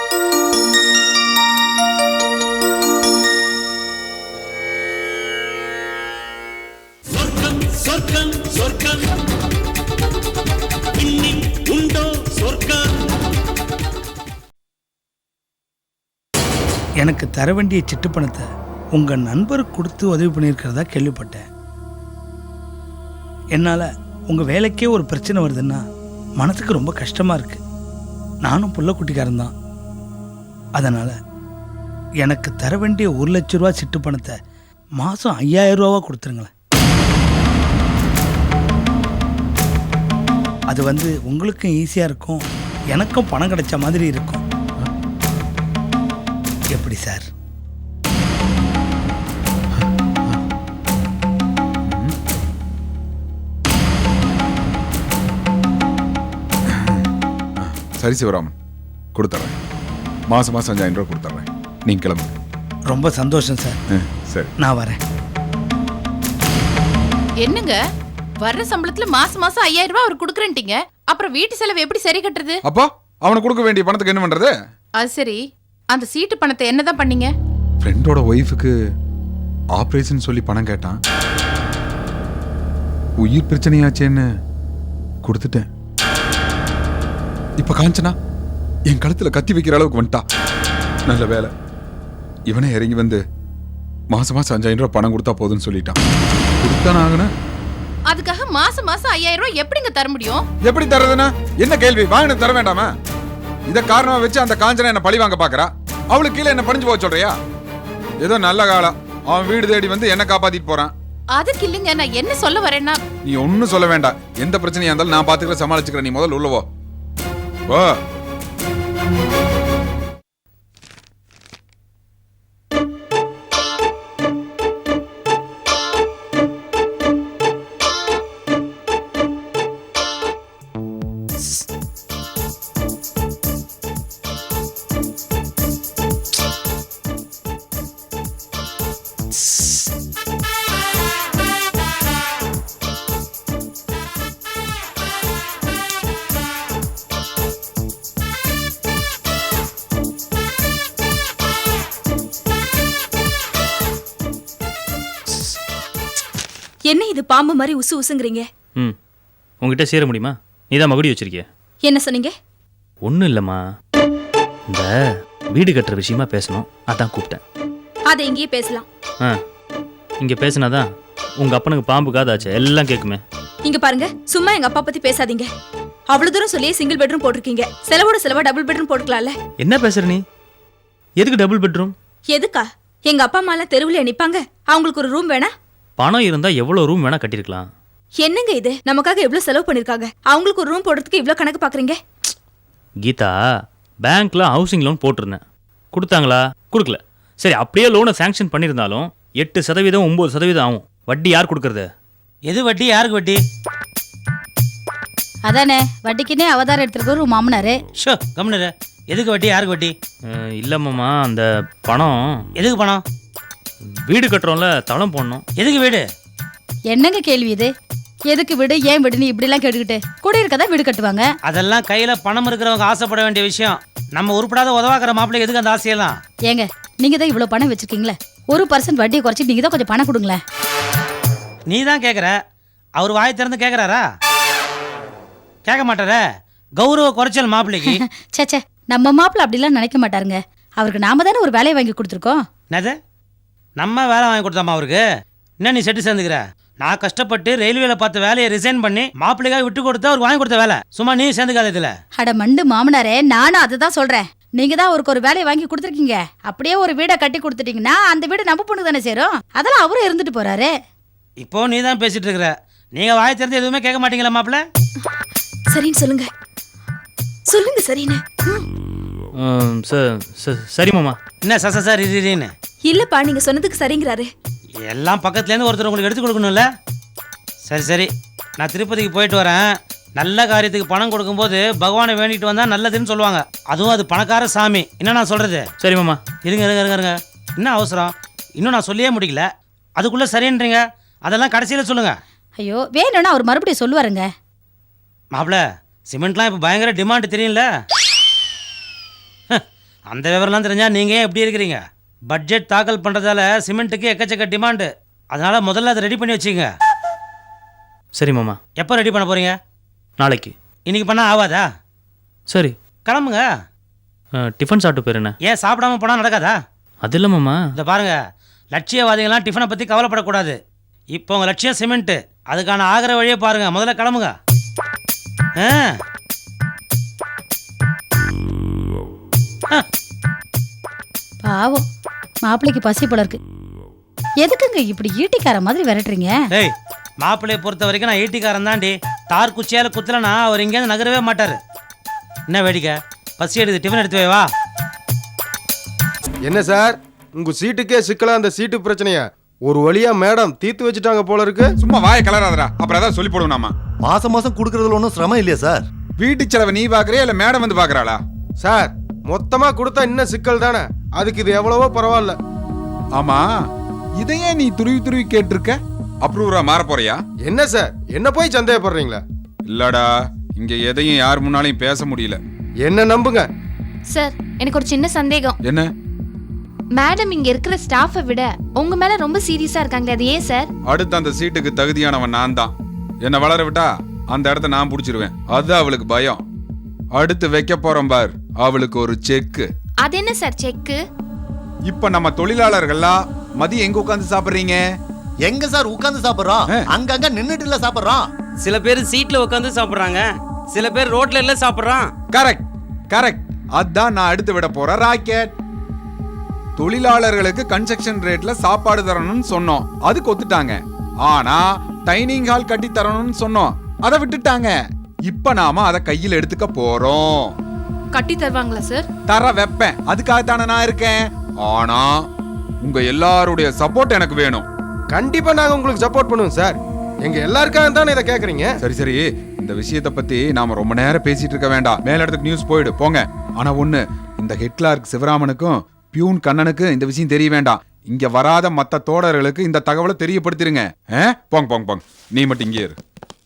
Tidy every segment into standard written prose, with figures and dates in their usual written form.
சொர்க்கம் சொர்க்கம் இன்னில் உண்டோ சொர்க்கம். எனக்கு தர வேண்டிய சிட்டு பணத்தை உங்க நண்பருக்கு கொடுத்து உதவி பண்ணியிருக்கிறதா கேள்விப்பட்டேன். என்னால் உங்க வேலைக்கே ஒரு பிரச்சனை வருதுன்னா மனசுக்கு ரொம்ப கஷ்டமா இருக்கு. நானும் புள்ள குட்டிக்காரன் தான். அதனால எனக்கு தர வேண்டிய 1 லட்ச ரூபா சிட்டு பணத்தை மாதம் 5000 ரூபாவா கொடுத்துருங்களேன். அது உங்களுக்கும் ஈஸியாக இருக்கும், எனக்கும் பணம் கிடைச்ச மாதிரி இருக்கும். எப்படி சார்? சரி சிவராமன், கொடுத்துட்றேன். மாதம் 5000 ரூபா கொடுத்துட்றேன். நீங்கள் கிளம்புங்க. ரொம்ப சந்தோஷம் சார். சரி, நான் வரேன். என்னங்க வர்ற சம்பளத்துல மாசம் 5000 ரூபாய் அவர் கொடுக்குறேன்ட்டீங்க, அப்புறம் வீட்டு செலவு எப்படி சரி கட்டுறது? அப்பா அவனுக்கு கொடுக்க வேண்டிய பணத்துக்கு என்ன பண்றது? அது சரி, அந்த சீட்டு பணத்தை என்னதான் பண்ணீங்க? ஃப்ரெண்டோட ஒய்ஃபுக்கு ஆபரேஷன் சொல்லி பணம் கேட்டான். உயிர் பிரச்சனையாச்சேன்னு கொடுத்துட்டேன். இப்ப காஞ்சனா என் கழுத்துல கத்தி வைக்கிற அளவுக்கு வந்துட்டா. நல்ல வேலை இவனே இறங்கி மாசம் 5000 ரூபாய் பணம் கொடுத்தா போதுன்னு சொல்லிட்டான். கொடுத்தான ஆகணும். அதுக்காக மாசம் 5000 ரூபாய் எப்படிங்க தர முடியும்? எப்படி தரதுன்னா என்ன கேள்வி? வாங்கின தர வேண்டாமா? இத காரணமா வச்சு அந்த காஞ்சனா என்ன பழி வாங்க பாக்குறா. அவளுக்கு கீழே என்ன பணிஞ்சு போக சொல்றியா? ஏதோ நல்ல காலம் அவன் வீடு தேடி என்ன காப்பாத்திட்டு போறான். அதுக்கு இல்லைங்க, நான் என்ன சொல்ல வரேன்னா, நீ ஒன்னும் சொல்ல வேண்டாம். எந்த பிரச்சனையா இருந்தாலும் நான் பாத்துக்கிறேன், சமாளிச்சுக்கிறேன். நீ முதல்ல உள்ளவோ வா. என்ன இது பாம்பு மாதிரி உசு உசுங்கிறீங்க? உங்ககிட்ட சேர முடியுமா? நீ தான் மகுடி வச்சிருக்கிய. என்ன சொன்னீங்க? ஒன்றும் இல்லைம்மா, இந்த வீடு கட்டுற விஷயமா பேசணும், அதான் கூப்பிட்டேன். அதை இங்கேயே பேசலாம். இங்கே பேசினாதான் உங்கள் அப்பனுக்கு பாம்பு காதாச்சு எல்லாம் கேட்குமே. இங்க பாருங்க, சும்மா எங்க அப்பா பத்தி பேசாதீங்க. அவ்வளவு தூரம் சொல்லி சிங்கிள் பெட்ரூம் போட்டிருக்கீங்க, செலவோட செலவா டபுள் பெட்ரூம் போட்டுக்கலாம்ல. என்ன பேசுற நீ? எதுக்கு டபுள் பெட்ரூம்? எதுக்கா? எங்க அப்பா அம்மா எல்லாம் தெருவில் நிப்பாங்க, அவங்களுக்கு ஒரு ரூம் வேணா? பணம் இருந்தா எவ்வளவு ரூம் வேணா கட்டிருக்கலாம். என்னங்க இது? நமக்காக எவ்வளவு செலவு பண்ணிருக்காங்க, அவங்களுக்கு ஒரு ரூம் போடுறதுக்கு இவ்வளவு கணக்கு பாக்குறீங்க? கீதா, பேங்க்ல ஹவுசிங் லோன் போட்டிருந்தேன், கொடுத்தாங்களா? கொடுக்கல. சரி, அப்படியே லோனை சாங்ஷன் பண்ணியிருந்தாலும் 8%, 9% ஆகும். வட்டி யார் கொடுக்கறது? எது வட்டி? யாருக்கு வட்டி? அதானே, வட்டிக்குன்னே அவதாரம் எடுத்துருக்க ஒரு மாமனாரு. ஷோ கம்முனரு. எதுக்கு வட்டி? யாருக்கு வட்டி? இல்லம்மாம்மா, அந்த பணம். எதுக்கு பணம்? வீடு கட்டுறோம்ல, தளம் போடணும். எதுக்கு வீடு? என்னங்க கேள்வி இது? எதுக்கு வீடு, ஏன் வீடுன்னு இப்படிலாம் கேட்டுக்கிட்டு கூட இருக்கதான் வீடு கட்டுவாங்க. அதெல்லாம் கையில பணம் இருக்கிறவங்க ஆசைப்பட வேண்டிய விஷயம். நம்ம உருப்படாத உதவாக்கிற மாப்பிள்ளை எதுக்கு அந்த ஆசையெல்லாம்? ஏங்க, நீங்க தான் இவ்வளவு பணம் வச்சிருக்கீங்களே, 1% வட்டியை குறைச்சி நீங்க தான் கொஞ்சம் பணம் கொடுங்களேன். நீ தான் கேட்குற, அவர் வாய் திறந்து கேட்குறாரா? கேட்க மாட்டாரே. கௌரவ குறைச்சல் மாப்பிள்ளைக்கு. சேச்சே, நம்ம மாப்பிள்ளை அப்படிலாம் நினைக்க மாட்டாருங்க. அவருக்கு நாம தானே ஒரு வேலையை வாங்கி கொடுத்துருக்கோம். என்னது? நம்ம வேலை வாங்கி கொடுத்தாமா அவருக்கு? என்ன நீ செட்டு சேர்ந்துக்கிற? நான் கஷ்டப்பட்டு ரயில்வேல பார்த்த வேலையை ரிசைன் பண்ணி மாப்பிள்ளைக்காக விட்டு கொடுத்து அவருக்கு வாங்கி கொடுத்த வேலை. சும்மா நீ சேர்ந்துக்காத இதுல. அட மண்டு மாமனாரே, நானும் அதை தான் சொல்றேன். நீங்க தான் அவருக்கு ஒரு வேலையை வாங்கி கொடுத்துருக்கீங்க, அப்படியே ஒரு வீடை கட்டி கொடுத்துட்டீங்கன்னா அந்த வீடு நம்ம பொண்ணு தானே சேரும். அதெல்லாம் அவரும் இருந்துட்டு போறாரு. இப்போ நீ தான் பேசிட்டு இருக்கிற. நீங்க வாய் திறந்து எதுவுமே கேட்க மாட்டீங்களா மாப்பிள்ள? சரின்னு சொல்லுங்க. சொல்லுங்க சரின்னு. சரி மாமா. என்ன சார் இதுன்னு? இல்லப்பா, நீங்க சொன்னதுக்கு சரிங்கிறாரு. எல்லாம் பக்கத்துலேருந்து ஒருத்தர் உங்களுக்கு எடுத்து கொடுக்கணும்ல. சரி, நான் திருப்பதிக்கு போயிட்டு வரேன். நல்ல காரியத்துக்கு பணம் கொடுக்கும்போது பகவானை வேண்டிட்டு வந்தா நல்லதுன்னு சொல்லுவாங்க. அதுவும் அது பணக்கார சாமி. என்ன நான் சொல்றது? சரி மாமா. இருங்க. என்ன அவசரம்? இன்னும் நான் சொல்லியே முடிக்கல, அதுக்குள்ள சரின்றீங்க. அதெல்லாம் கடைசியில் சொல்லுங்க. ஐயோ, வேணும்னா அவர் மறுபடியும் சொல்லுவாருங்க. மாப்பிள்ள, சிமெண்ட்லாம் இப்போ பயங்கர டிமாண்ட் தெரியும்ல. அந்த விவரம்லாம் தெரிஞ்சா நீங்கள் ஏன் எப்படி இருக்கிறீங்க? பட்ஜெட் தாக்கல் பண்ணுறதால சிமெண்ட்டுக்கு எக்கச்சக்க டிமாண்டு. அதனால் முதல்ல அதை ரெடி பண்ணி வச்சுங்க. சரி மாமா. எப்போ ரெடி பண்ண போகிறீங்க? நாளைக்கு. இன்னைக்கு பண்ணால் ஆகாதா? சரி. கிளம்புங்க. டிஃபன் சாப்பிட்டு போயிருண்ணே. ஏன் சாப்பிடாம போனால் நடக்காதா? அது இல்லை மாமா. இதை பாருங்க, லட்சியவாதிகள்லாம் டிஃபனை பற்றி கவலைப்படக்கூடாது. இப்போ உங்கள் லட்சியம் சிமெண்ட்டு, அதுக்கான ஆகிற வழியை பாருங்க. முதல்ல கிளம்புங்க. பாவம் மாப்பிள்ளைக்கு பசி போல இருக்கு. எதுக்குங்க இப்படி ஈட்டிக்கார மாதிரி விரட்டுறீங்க? டேய், மாப்பிள்ளையை பொறுத்த வரைக்கும் நான் ஈட்டிக்காரன் தாண்டி. தார் குச்சியால் குத்தலனா அவர் இங்கேருந்து நகரவே மாட்டார். என்ன வேடிக்கை? பசி எடுத்து டிஃபன் எடுத்து வை வா. என்ன சார், உங்க சீட்டுக்கே சிக்கலா அந்த சீட்டு பிரச்சனைய ஒரு வழியா மேடம் தீர்த்து வச்சுட்டாங்க போல இருக்கு. சும்மா வாயை கலராதடா, அப்புறம் ஏதாவது சொல்லி போடுவோம். மாசம் மாசம் கொடுக்கறதுல ஒன்றும் சிரமம் இல்லையா சார்? வீட்டு செலவை நீ பாக்குறியா இல்ல மேடம் வந்து பாக்குறாளா? சார் மொத்தமா கொடுத்தா இன்னும் சிக்கல் தானே, அதுக்கு இது எவ்வளவோ பரவாயில்ல. ஆமா, இதையே நீ துருவி துருவி கேட்டிருக்க. அப்ரூவரா மாற போறியா? என்ன சார், என்ன போய் சந்தேகப்படுறீங்களா? இல்லடா, இங்க எதையும் யார் முன்னாலையும் பேச முடியல. என்ன நம்புங்க சார். எனக்கு ஒரு சின்ன சந்தேகம். என்ன? மேடம் இங்க இருக்கிற ஸ்டாஃபை விட உங்க மேல ரொம்ப சீரியஸா இருக்காங்களே, அது ஏன் சார்? அடுத்து அந்த சீட்டுக்கு தகுதியானவன் நான் தான். என்ன வளர விட்டா அந்த இடத்த நான் புடிச்சிருவேன். அது அவளுக்கு பயம். அடுத்து வைக்க போறோம் பார், அவளுக்கு ஒரு செக்கு. அது என்ன சார் செக்கு? இப்ப நம்ம தொழிலாளர்கள்லாம் மதியம் எங்க உட்கார்ந்து சாப்பிடுறீங்க? எங்க சார் உட்கார்ந்து சாப்பிடுறோம்? அங்கங்க நின்னுட்டு இல்ல சாப்பிடுறோம். சில பேர் சீட்ல உட்கார்ந்து சாப்பிடுறாங்க, சில பேர் ரோட்ல எல்லாம் சாப்பிடுறான். Correct correct. அதான் நான் அடுத்து விட போற ராக்கெட். தொழிலாளர்களுக்கு கன்ஸ்ட்ரக்ஷன் ரேட்ல சாப்பாடு தரணும்னு சொன்னோம், அதுக்கு ஒத்துட்டாங்க. ஆனா டைனிங் ஹால் கட்டி தரணும்னு சொன்னோம், அதை விட்டுட்டாங்க. இப்ப நாம அதை கையில் எடுத்துக்க போறோம். கட்டி தருவாங்களா சார்? தர வைப்பேன், அதுக்காகத்தானே நான் இருக்கேன். ஆனா உங்க எல்லாருடைய சப்போர்ட் எனக்கு வேணும். கண்டிப்பா நாங்க உங்களுக்கு சப்போர்ட் பண்ணுவோம் சார். எங்க எல்லாருக்காக தானே இதை கேக்குறீங்க. சரி சரி, இந்த விஷயத்தை பத்தி நாம ரொம்ப நேரம் பேசிட்டு இருக்க வேண்டாம். மேல இடத்துக்கு நியூஸ் போயிடு போங்க. ஆனா ஒண்ணு, இந்த ஹெட் கிளார்க் சிவராமனுக்கும் பியூன் கண்ணனுக்கு இந்த விஷயம் தெரிய வேண்டாம். இங்க வராத மத்த தோழர்களுக்கு இந்த தகவலை தெரியப்படுத்திருங்க. போங்க போங்க போங்க, நீ மட்டும் இங்கே இரு.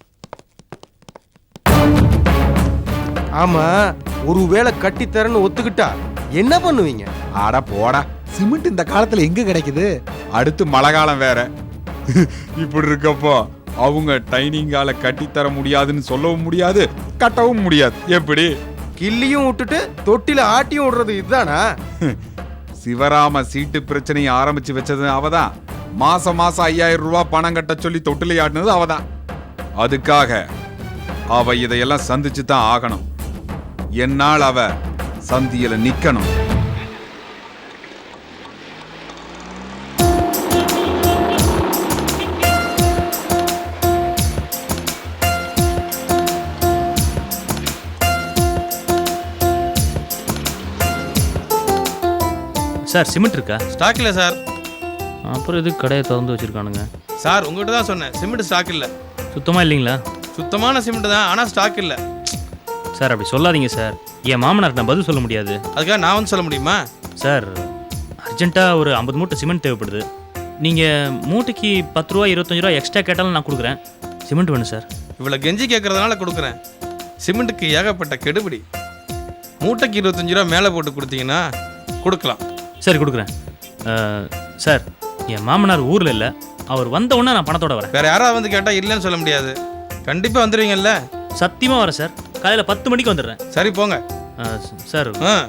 ஆமா, ஒருவேளை கட்டித்தரன்னு ஒத்துக்கிட்டா என்ன பண்ணுவீங்க? ஆடா போடா, சிமெண்ட் இந்த காலத்துல எங்க கிடைக்குது? அடுத்து மழை காலம் வேற. இப்படி இருக்கப்போ அவங்க டைனிங்கால கட்டி தர முடியாதுன்னு சொல்லவும் முடியாது, கட்டவும் முடியாது. எப்படி? கிள்ளியும் விட்டுட்டு தொட்டில ஆட்டியும் விடுறது இதுதானா? சிவராம சீட்டு பிரச்சனையை ஆரம்பிச்சு வச்சது அவதான். மாசம் மாசம் 5000 ரூபாய் பணம் கட்ட சொல்லி தொட்டில ஆட்டினது அவதான். அதுக்காக அவ இதையெல்லாம் சந்திச்சு தான் ஆகணும். என்னால் அவ சந்தியில நிக்கணும். சார் சிமெண்ட் இருக்கா? ஸ்டாக் இல்லை சார். அப்புறம் எதுக்கு கடையை திறந்து வச்சிருக்கானுங்க? சார் உங்ககிட்ட தான் சொன்னேன், சிமெண்ட் ஸ்டாக் இல்லை. சுத்தமாக இல்லைங்களா? சுத்தமான சிமெண்ட் தான், ஆனால் ஸ்டாக் இல்லை. சார் அப்படி சொல்லாதீங்க சார். என் மாமனார் நான் பதில் சொல்ல முடியாது. அதுக்காக நான் வந்து சொல்ல முடியுமா? சார் அர்ஜென்ட்டாக ஒரு 50 மூட்டை சிமெண்ட் தேவைப்படுது. நீங்கள் மூட்டைக்கு 10 ரூபா 25 ரூபா எக்ஸ்ட்ரா கேட்டாலும் நான் கொடுக்குறேன். சிமெண்ட் வேணும் சார். இவ்வளோ கெஞ்சி கேட்கறதுனால கொடுக்குறேன். சிமெண்ட்டுக்கு ஏகப்பட்ட கெடுபிடி. மூட்டைக்கு 25 ரூபா மேலே போட்டு கொடுத்தீங்கன்னா கொடுக்கலாம். சரி கொடுக்குறேன். சார் என் மாமனார் ஊரில் இல்லை, அவர் வந்த உடனே நான் பணத்தோட வரேன். வேற யாராவது வந்து கேட்டால் இல்லைன்னு சொல்ல முடியாது. கண்டிப்பாக வந்துடுவீங்கல்ல? சத்தியமாக வரேன் சார். காலையில் 10 மணிக்கு வந்துடுறேன். சரி போங்க. சார்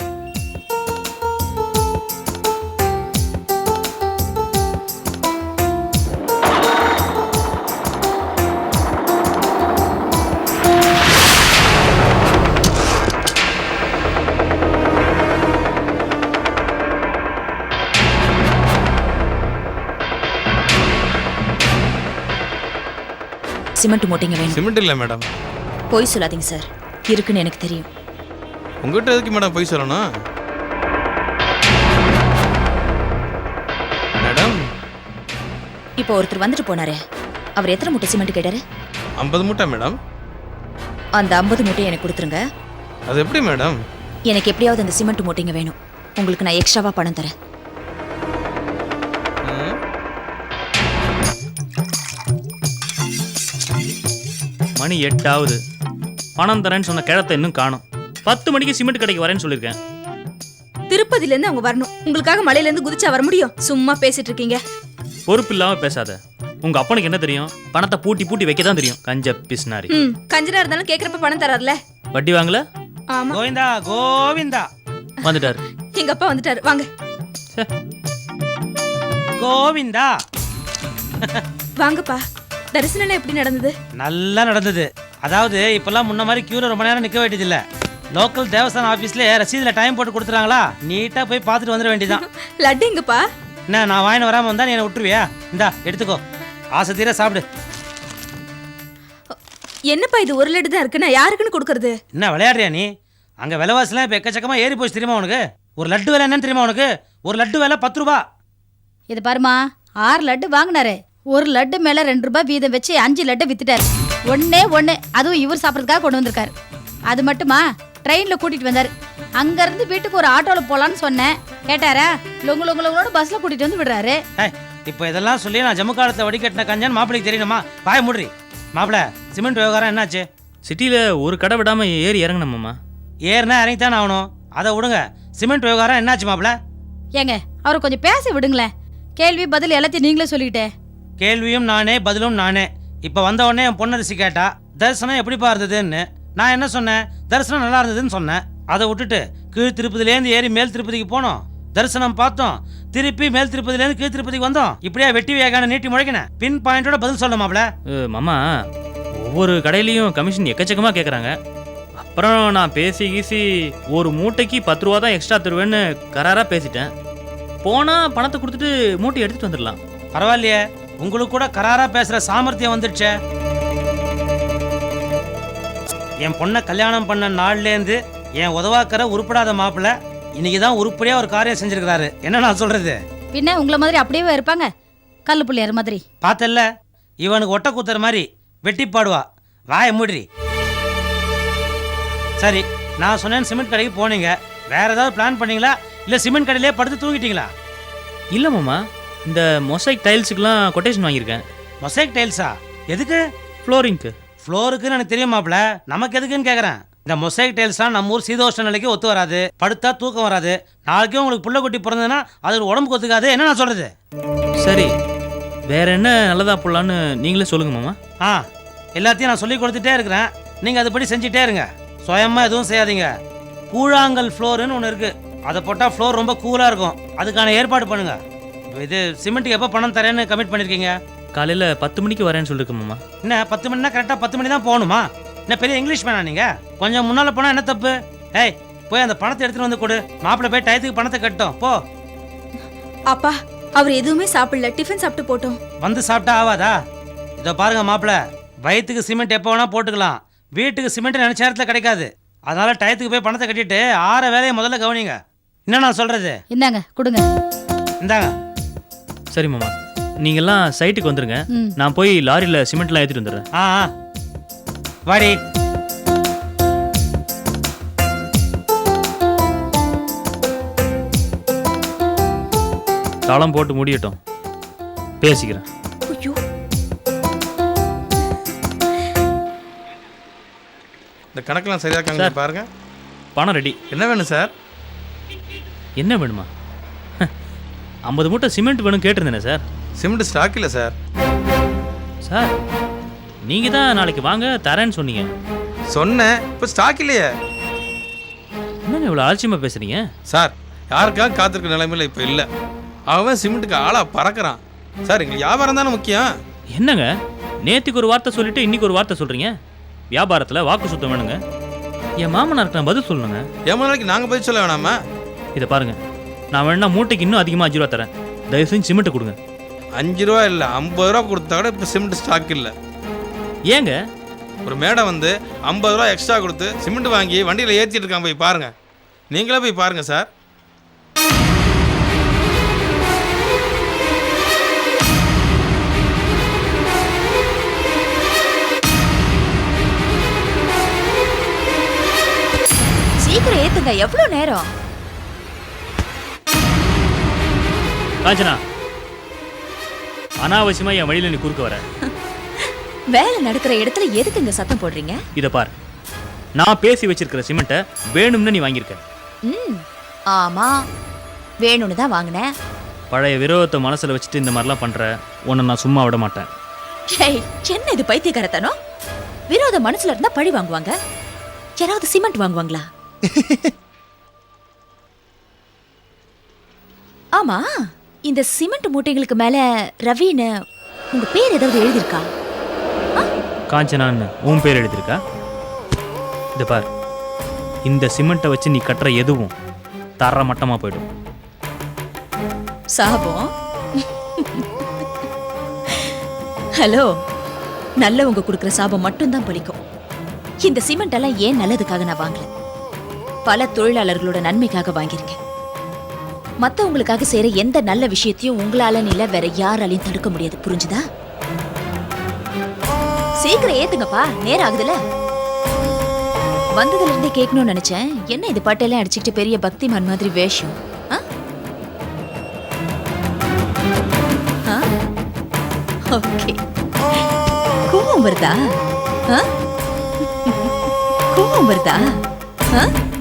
சிமெண்ட் மூட்டைங்க வேணும். சிமெண்ட் இல்லை மேடம். போய் சொல்லாதீங்க சார், இருக்குன்னு எனக்கு தெரியும். உங்ககிட்ட எதுக்கு மேடம் போய் சொல்லணும்? மேடம் இப்போ ஒருத்தர் வந்துட்டு போனாரு, அவர் எத்தனை மூட்டை சிமெண்ட் கேட்டாரு? 50 மூட்டை மேடம். அந்த 50 மூட்டையை எனக்கு கொடுத்துருங்க. அது எப்படி மேடம்? எனக்கு எப்படியாவது அந்த சிமெண்ட் மூட்டைங்க வேணும். உங்களுக்கு நான் எக்ஸ்ட்ராவா பணம் தரேன். மணி 8 ஆகுது. பணம் தரேன்னு சொன்ன கிழத்தை இன்னும் காணும். 10 மணிக்கு சிமெண்ட் கடைக்கு வரேன்னு சொல்லியிருக்கேன். திருப்பதில இருந்து அவங்க வரணும். உங்களுக்காக மலையில இருந்து குதிச்சா வர முடியும்? சும்மா பேசிட்டு இருக்கீங்க. பொறுப்பு இல்லாம பேசாத. உங்க அப்பனுக்கு என்ன தெரியும்? பணத்தை பூட்டி பூட்டி வைக்க தான் தெரியும். கஞ்ச பிஸ்னாரி. கஞ்சனா இருந்தாலும் கேக்குறப்ப பணம் தரார்ல. வட்டி வாங்கல? ஆமா. கோவிந்தா கோவிந்தா வந்துட்டாரு. எங்க அப்பா வந்துட்டாரு. வாங்க. கோவிந்தா வாங்கப்பா. தரிசனம் எப்படி நடந்தது? நல்லா நடந்தது. அதாவது இப்பெல்லாம் முன்ன மாதிரி கியூல ரொம்ப நேரம் நிக்க வேண்டியது இல்ல. லோக்கல் தேவஸ்தான ஆபீஸ்ல ரசீதுல டைம் போட்டு கொடுத்துறாங்களா, நீட்டா போய் பார்த்துட்டு வந்துட வேண்டியதான். லட்டு எங்கப்பா? என்ன நான் வாங்கின வராம வந்தா நீ என்ன விட்டுருவியா? இந்தா எடுத்துக்கோ, ஆசை தீர சாப்பிடு. என்னப்பா இது ஒரு லட்டு தான் இருக்கு, நான் யாருக்குன்னு கொடுக்கறது? என்ன விளையாடுறியா நீ? அங்க விலைவாசிலாம் இப்ப எக்கச்சக்கமா ஏறி போச்சு தெரியுமா உனக்கு? ஒரு லட்டு விலை என்னன்னு தெரியுமா உனக்கு? ஒரு லட்டு விலை 10 ரூபா. இது பாருமா, 6 லட்டு வாங்கினாரு. ஒரு லட்டு மேல 2 ரூபாய் வீதம் வச்சு 5 லட்டு வித்துட்டாரு. ஒன்னே ஒண்ணு, அதுவும் இவர் சாப்பிட்றதுக்காக கொண்டு வந்திருக்காரு. அது மட்டுமா, ட்ரெயின்ல கூட்டிட்டு வந்தாரு. அங்க இருந்து வீட்டுக்கு ஒரு ஆட்டோல போலான்னு சொன்னேன், கேட்டாரா? லொங்கு லொங்கு லொங்கோட பஸ்ல கூட்டிட்டு வந்து விடுறாரு. இப்போ இதெல்லாம் சொல்லி நான் ஜம்மு காலத்துல வடிகட்டின கஞ்சான் மாப்பிளைக்கு தெரியணுமா? பாய மூடுறி. மாப்பிள, சிமெண்ட் விவகாரம் என்னாச்சு? சிட்டியில ஒரு கடை விடாம ஏறி இறங்கணுமாமா. ஏறினா இறங்கித்தானே ஆகணும். அதை விடுங்க. சிமெண்ட் விவகாரம் என்னாச்சு மாப்பிள? ஏங்க, அவரை கொஞ்சம் பேச விடுங்களேன். கேள்வி பதில் எல்லாத்தையும் நீங்களே சொல்லிக்கிட்டே. கேள்வியும் நானே பதிலும் நானே. இப்போ வந்த உடனே என் பொண்ணரிசி கேட்டா தரிசனம் எப்படிப்பா இருந்ததுன்னு. நான் என்ன சொன்னேன்? தரிசனம் நல்லா இருந்ததுன்னு சொன்னேன். அதை விட்டுட்டு கீழ் திருப்பதிலேருந்து ஏறி மேல் திருப்பதிக்கு போனோம், தரிசனம் பார்த்தோம், திருப்பி மேல் திருப்பதிலேருந்து கீழ் திருப்பதிக்கு வந்தோம். இப்படியா வெட்டி வேகான நீட்டி முழைக்கினேன். பின் பாயிண்டோட பதில் சொல்ல மாப்ள. மாமா, ஒவ்வொரு கடையிலையும் கமிஷன் எக்கச்சக்கமா கேட்குறாங்க. அப்புறம் நான் பேசி கீசி ஒரு மூட்டைக்கு 10 ரூபா தான் எக்ஸ்ட்ரா தருவேன்னு கராராக பேசிட்டேன். போனால் பணத்தை கொடுத்துட்டு மூட்டை எடுத்துகிட்டு வந்துடலாம். பரவாயில்லையே, உங்களுக்கு கூட கராரா பேசுற சாமர்த்தியம் வந்துடுச்சே. என் பொண்ணை கல்யாணம் பண்ண நாள்லேருந்து என் உதவாக்கிற உருப்படாத மாப்பிள்ள இன்னைக்கு தான் உருப்படியா ஒரு காரியம் செஞ்சிருக்கிறாரு. என்ன நான் சொல்றது? பின்ன உங்களை மாதிரி அப்படியே இருப்பாங்க, கல்லு புள்ளியார் மாதிரி. பார்த்தல்ல, இவனுக்கு ஒட்ட கூத்துற மாதிரி வெட்டி பாடுவா. வாய மூடி. சரி, நான் சொன்னேன் சிமெண்ட் கடைக்கு போனீங்க, வேற ஏதாவது பிளான் பண்ணீங்களா இல்ல சிமெண்ட் கடையிலே படுத்து தூங்கிட்டீங்களா? இல்லை மாமா, இந்த மொசைக் டைல்ஸுக்கெல்லாம் கொட்டேஷன் வாங்கியிருக்கேன். மொசைக் டைல்ஸா? எதுக்கு? ஃப்ளோரிங்க்கு. ஃப்ளோருக்குன்னு எனக்கு தெரியுமாப்ல, நமக்கு எதுக்குன்னு கேட்குறேன். இந்த மொசைக் டைல்ஸ்லாம் நம்ம ஊர் சீதோஷ்ண நிலைக்கு ஒத்து வராது, படுத்தா தூக்கம் வராது. நாளைக்கும் உங்களுக்கு புள்ள குட்டி பிறந்ததுன்னா அது உடம்புக்கு ஒத்துக்காது. என்ன நான் சொல்றது? சரி, வேற என்ன நல்லதா போடலான்னு நீங்களே சொல்லுங்க மாமா. எல்லாத்தையும் நான் சொல்லி கொடுத்துட்டே இருக்கிறேன், நீங்கள் அதுபடி செஞ்சுட்டே இருங்க. சுயமாக எதுவும் செய்யாதீங்க. கூழாங்கல் ஃப்ளோருன்னு ஒன்று இருக்குது, அதை போட்டால் ஃப்ளோர் ரொம்ப கூலாக இருக்கும். அதுக்கான ஏற்பாடு பண்ணுங்க. இது சிமெண்ட்டுக்கு எப்போ பணம் தரேன்னு கமிட் பண்ணியிருக்கீங்க? காலையில் 10 மணிக்கு வரேன்னு சொல்லிருக்கு மாமா. என்ன 10 மணினா கரெக்டாக 10 மணி தான் போகணுமா? என்ன பெரிய இங்கிலீஷ் மேனா நீங்கள்? கொஞ்சம் முன்னால் போனால் என்ன தப்பு? ஏய், போய் அந்த பணத்தை எடுத்துகிட்டு வந்து கொடு. மாப்பிள்ளை போய் டயத்துக்கு பணத்தை கட்டும் போ. அப்பா, அவர் எதுவுமே சாப்பிடல, டிஃபன் சாப்பிட்டு போட்டோம். வந்து சாப்பிட்டா ஆவாதா? இதோ பாருங்க மாப்பிள்ளை, வயிற்றுக்கு சிமெண்ட் எப்போ வேணால் போட்டுக்கலாம், வீட்டுக்கு சிமெண்ட் நினைச்ச நேரத்தில் கிடைக்காது. அதனால டயத்துக்கு போய் பணத்தை கட்டிட்டு ஆற வேலையை முதல்ல கவனிங்க. என்ன நான் சொல்றது? இந்தாங்க கொடுங்க. இந்தாங்க. சரி மாமா, நீங்கெல்லாம் சைட்டுக்கு வந்துருங்க, நான் போய் லாரியில் சிமெண்ட்லாம் ஏற்றிட்டு வந்துடுறேன். வாடி. தாளம் போட்டு முடியட்டும், பேசிக்கிறேன். இந்த கணக்கெல்லாம் சரியா இருக்காங்க பாருங்க. பணம் ரெடி. என்ன வேணும் சார்? என்ன வேணுமா? 50 மூட்டை சிமெண்ட் வேணும் கேட்டிருந்தேனே சார். சிமெண்ட் ஸ்டாக் இல்லை சார். சார், நீங்கள் தான் நாளைக்கு வாங்க தரேன்னு சொன்னீங்க. சொன்னேன், இப்போ ஸ்டாக் இல்லையே. என்னங்க இவ்வளோ ஆச்சரியமாக பேசுகிறீங்க? சார், யாருக்காக காத்திருக்க நிலைமையில் இப்போ இல்லை. அவன் சிமெண்ட்டுக்கு ஆளாக பறக்கிறான் சார். எங்களுக்கு வியாபாரம் தானே முக்கியம். என்னங்க நேற்றுக்கு ஒரு வார்த்தை சொல்லிட்டு இன்னைக்கு ஒரு வார்த்தை சொல்கிறீங்க? வியாபாரத்தில் வாக்கு சுத்தம் வேணுங்க. என் மாமனாருக்கு நான் பதில் சொல்லணுங்க. என் நாளைக்கு நாங்கள் பதில் சொல்ல வேணாமா? இதை பாருங்கள், நான் வேணா மூட்டைக்கு இன்னும் அதிகமாக 5 ரூபா தரேன், தயவு செஞ்சு சிமெண்ட்டை கொடுங்க. 5 ரூபா இல்லை, 50 ரூபா கொடுத்தா கூட இப்போ சிமெண்ட் ஸ்டாக் இல்லை. ஏங்க? ஒரு மேடம் வந்து 50 ரூபா எக்ஸ்ட்ரா கொடுத்து சிமெண்ட் வாங்கி வண்டியில் ஏற்றிட்டு இருக்காங்க, போய் பாருங்க. நீங்களே போய் பாருங்க சார். சீக்கிரம் ஏத்துங்க, எவ்வளவு நேரம்? காஞ்சனா, அனாவசியமா என் வழியில நீ குறுக்க வர. வேலை நடக்கிற இடத்துல எதுக்கு இங்க சத்தம் போடுறீங்க? இத பார், நான் பேசி வச்சிருக்கிற சிமெண்ட்டை வேணும்னு நீ வாங்கியிருக்க. ஆமா வேணும்னு தான் வாங்கினேன். பழைய விரோதத்தை மனசில் வச்சுட்டு இந்த மாதிரிலாம் பண்ணுற உன்னை நான் சும்மா விட மாட்டேன். ஏய், என்ன இது பைத்தியக்காரத்தனம்? விரோத மனசுல இருந்தா பழி வாங்குவாங்க, யாராவது சிமெண்ட் வாங்குவாங்களா? ஆமா, இந்த சிமெண்ட் மூட்டைகளுக்கு மேல ரவின்னு உங்க பேர் ஏதாவது எழுதியிருக்கா? காஞ்சனான்னு உன் பேர் எழுதியிருக்கா? இது பார், இந்த சிமெண்ட்டை வச்சு நீ கட்டுற எதுவும் தர மட்டமாக போயிடும். சாபம். ஹலோ, நல்லவங்க கொடுக்குற சாபம் மட்டும்தான் பலிக்கும். இந்த சிமெண்ட் எல்லாம் ஏன் நல்லதுக்காக நான் வாங்கல, பல தொழிலாளர்களோட நன்மைக்காக வாங்கியிருக்கேன். மத்தவங்களுக்காக செய்யற எந்த நல்ல விஷயத்தையும் உங்களால இல்ல வேற யாராலையும் தடுக்க முடியாது, புரிஞ்சுதா? சீக்கிரம் ஏத்துங்கப்பா, நேரம் ஆகுதுல. வந்ததுல இருந்தே கேட்கணும்னு நினைச்சேன், என்ன இது பட்டையெல்லாம் அடிச்சுக்கிட்டு பெரிய பக்திமான் மாதிரி வேஷம்? ஓகே, கோவம் வருதா? கோவம் வருதா?